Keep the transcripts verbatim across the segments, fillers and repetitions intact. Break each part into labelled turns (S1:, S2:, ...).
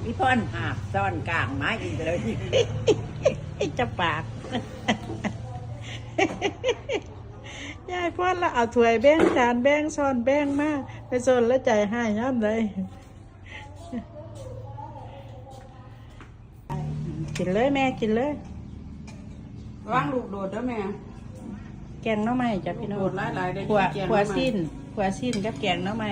S1: พี่พ่อนหาบซ่อนกลางไม้อีกเลย
S2: จะปากยายพ่อละเอาถ้วยแบ่งจานแบ่งช้อนแบ่งมาไปโซนแล้วใจให้ย่ำเลยกินเลยแม่กินเลย
S3: ว่างลูกโดดเด้อแม่
S2: แกงน้ำไม้จ้ะพี่น้อง
S3: โดดหลายๆได้
S2: ขว
S3: แกง
S2: ขว
S3: น้ำไม้
S2: สิ้นขวสิ้นกับแกงน้ำไม้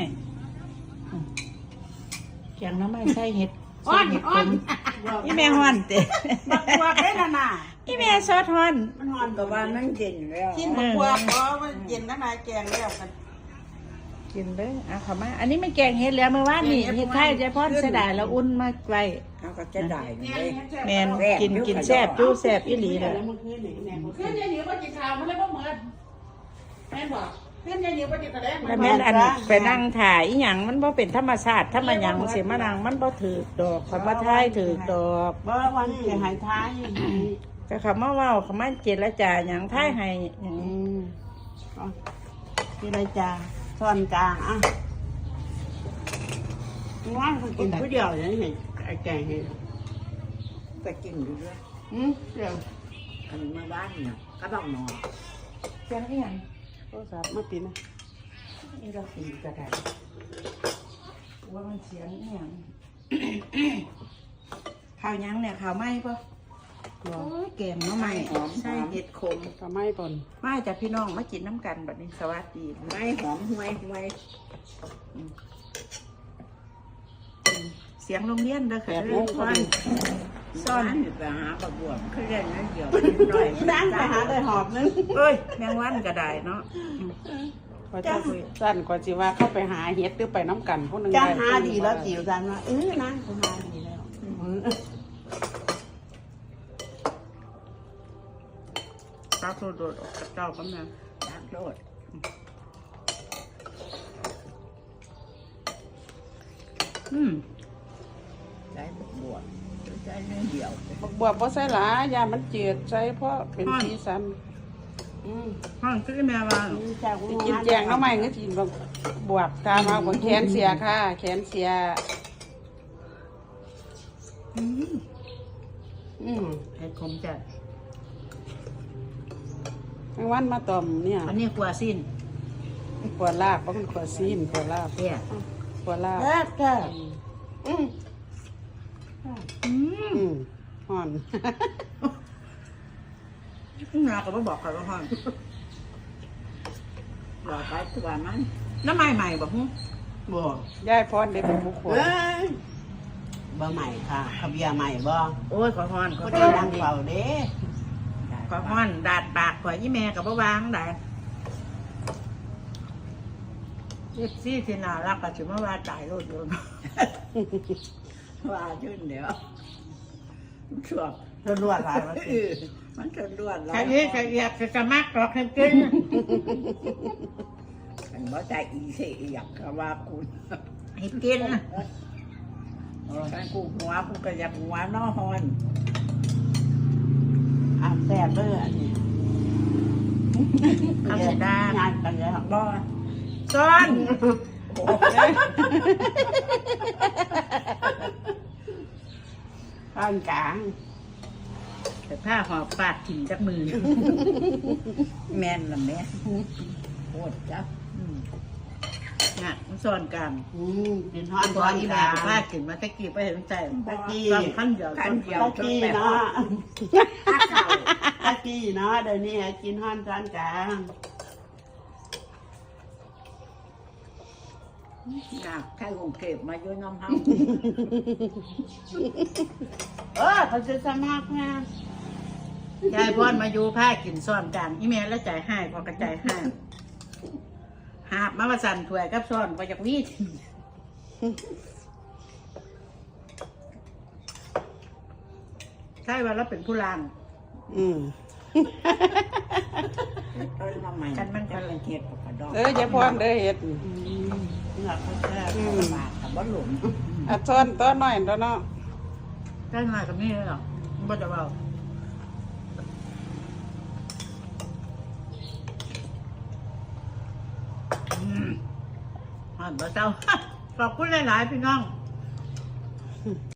S2: แกงน้ำไม้ใส่เห็ด
S3: อ้อนอ้อน
S2: อีแม่ฮ้อนเต้
S3: บักบวบได้ละน่ะ
S2: อีแม่ซอสฮ้อน
S3: มันหอน
S1: ก็ว่ามันเย็นแล้ว
S3: กินบักบวบเพราะว่าเย็นแล้วนายแกงแล้วกัน
S2: กินเลยอ่ะขอมาอันนี้ไม่แกงเห็ดแล้วเมื่อวานนี่เห็ดไทยใจพ่อเสียดายแล้วอุ่นมาไว้
S1: เขาก็จะได้เลย
S2: แมนกินกินแซ่บจู้แซ่บอีหลีเลย
S3: มันขึ้นนี่แม่ขึ้นยายเหนียวมากินข้าวมันเลยบ่เหมือนแม่บอกขึ้นยายเหนียวมากินกระแดง
S2: แต่แม่นอันไปนั่งถ่ายอีหยังมันบ่เป็นธรรมชาติถ้ามาหยังสิมานั่งมันบ่ถือดอกคำว่าไทยถือดอก
S3: บ่วันเสียหายท้าย
S2: ก็คำว่าเว้าคำว่าเจรจาหยังไทยให้หยัง
S3: อืมกินอะไรจ้าซ่อนกลางอ่ะว่างเขากินผู้เดียวอย่างนี้ไอ้แกงเห็ด
S1: ไปกินดูด้วย
S3: อืมเดี๋ยว
S1: อันมาบ้านเนาะก็ต้องนอน
S2: เสียงอีหยัง
S3: โทรศัพท์มาปิดนะ
S2: อีเราสิก็ได้ว่ามันเสียงอีหยังข้าวหยังเนี่ยข้าวไหม้ปะโอ้ยแกงเนาะไหม้หอมใช่เห็ดขม
S3: ทำไมปน
S2: มาจากพี่น้องมากินน้ำกันแบบนี้สวัสดี
S1: ไม้หอมห่วยห่วย
S2: เสียงโรงเรียนเด้อ
S3: แป
S2: ค่ะ
S3: ด
S2: เรื่
S3: โม
S2: อง
S3: ง
S2: ซ่อน
S1: ซ่อนไปหาประบวมเขาเรียนนั่นเดียวน้อย
S3: นั่งไปหาได้หอบนึง
S2: เอ้ยแมงวันก็ได้เนาะ
S3: ก็จะสั้นกว่าจีว่าเข้าไปหาเฮ็ดหรือไปน้ำกันพวกนึง
S1: จะหาดีแล้วจิ๋วจันว่าเออนั่งกูหาดีแล้ว
S2: ตาโซโดดออกจากเจ้ากันนะ
S1: รักโลด
S2: อืม
S1: ใจบวมใจเรื่องเดียว
S3: บักบวบบ่ใส่หลายยามันเจืดใส่เพราะเป็นสีสันอืม
S2: ห้องซื้อแม่ว่า
S3: กินแจงน้ำใหม่ก็กินบักบวบตามมาบนแขนเสียค่ะแขนเสีย
S2: อืม
S3: อืม
S2: เห็ดขมจัด
S3: แมงวันมาต่อมเนี่ย
S2: อันนี้กลัวสิ้น
S3: ขวดลาบเพราะมันขวดซีนขวดลาบ
S2: เนี่ย
S3: ขวดลาบ
S2: แซ่บแซ่บ
S3: อืม
S2: อืม
S3: อืมห่อน
S2: นาก็บ่บอกใครว่าห้อง
S1: รอไปตัวมัน
S2: น้ำใหม่ใหม่บอกฮึ
S1: บวม
S3: ยายพรได้เป็นบุคคล
S1: เอ้ยบ่ใหม่ค่ะขบยาใหม่บ่
S2: โอ้ยขอฮ้อนขอ
S1: ก็
S2: ฮ้
S1: ได้
S2: อน
S1: ดังเป่าเด้
S2: ขอฮ้อนดาดปากขอยี่แม่กับบ่วางได้เอฟซีที่น่ารักก็สิมาว่าตายโลดโยน
S1: ว่าชื่นเดี๋ยวช่วง
S2: รวดหลายว่า
S1: เออมันจะรวด
S2: ใครเอ๊ะใครอยากจะกระมักหรอกให้กิน
S1: มันบ่ใจอีเสียกก็ว่าคุณ
S2: ให้กินนะ
S1: ฉันกูหัวกูก็อยากหัวน้อฮอน
S3: อาบแซ่บเลยอันนี้
S2: คำสิดาง
S3: านกันแล้ว
S1: บ่
S2: ซ้อน
S1: โอ้
S3: ตอนกลาง
S2: แต่ผ้าหอบปาดถิ่มจากมือ
S1: แม่นละแม่โคตรจ้ะ
S2: น่ะมันซ้อนกัน
S3: อืมกินทอด
S2: ต
S3: ต
S2: อ
S3: อน น
S2: อี
S3: ก
S2: แม่
S3: ลาง
S2: ผ้ากินมาตะกี้ไปเห็นใจ
S3: ตะกี้
S2: ตอนขั้นเดียว
S1: ขั้นเดียว
S3: ตะกี้เนาะตะกี้เนาะเดี๋ยวนี้กินทอดตอนกลาง
S1: อยากใครคงเก็บมาอยู่น้ำเฮา
S3: เออเขาจะสมัครนะ
S2: ยายพรมาอยู่ผ้ากินซ้อนกันอีแม่แล้วใจให้พอกระจายให้หาบมาประสันถวยกับซ้อนไปจากวีดใช่ว่าเราเป็นผู้ลาง
S3: อืม
S1: เอ้ยมาใหม่กันมันกันละเอียดกว่าดอก
S3: เออจะพรเด้อเฮ็ด
S1: หลักแค่บาทกับบ่หลง
S3: อ่ะซ้อนตัวน้อยตัวเนาะ
S2: ได้มากับนี่เลยหรอบ่จะเบาอืมอ่านบ่เจ้า ขอบคุณหลายๆพี่น้อง